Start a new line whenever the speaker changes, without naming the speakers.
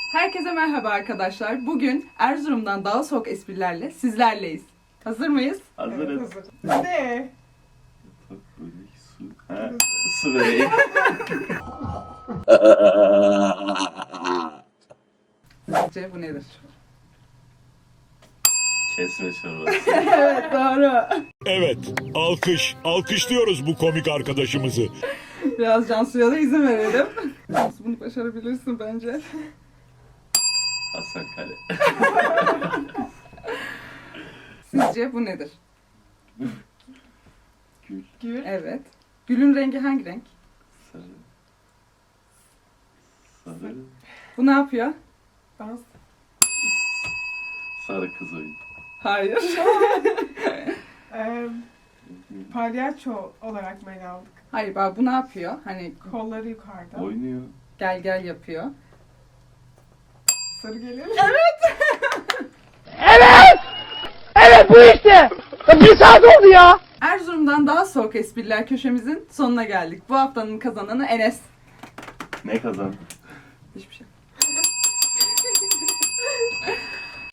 Herkese merhaba arkadaşlar. Bugün Erzurum'dan daha soğuk esprilerle sizlerleyiz. Hazır mıyız?
Hazırız.
Evet, hazır. Ne?
Börek, su. Ha, su böreği.
Sizce bu nedir?
Kesme çorbası.
Evet, doğru.
Evet, alkışlıyoruz bu komik arkadaşımızı.
Biraz Cansu'ya da izin verelim. Cansu bunu başarabilirsin bence.
Hasan Kale.
Sizce bu nedir?
Gül.
Gül.
Evet. Gülün rengi hangi renk?
Sarı. Sarı.
Bu ne yapıyor?
Dans.
Sarı kız oyun.
Hayır.
Palyaço olarak mı ele aldık?
Hayır bak bu ne yapıyor? Hani
Kolları yukarıda.
Oynuyor.
gel gel yapıyor.
Sarı gelir.
Evet bu işte. Bir saat oldu ya.
Erzurum'dan daha soğuk espriler köşemizin sonuna geldik. Bu haftanın kazananı Enes.
Ne kazan?
Hiçbir şey.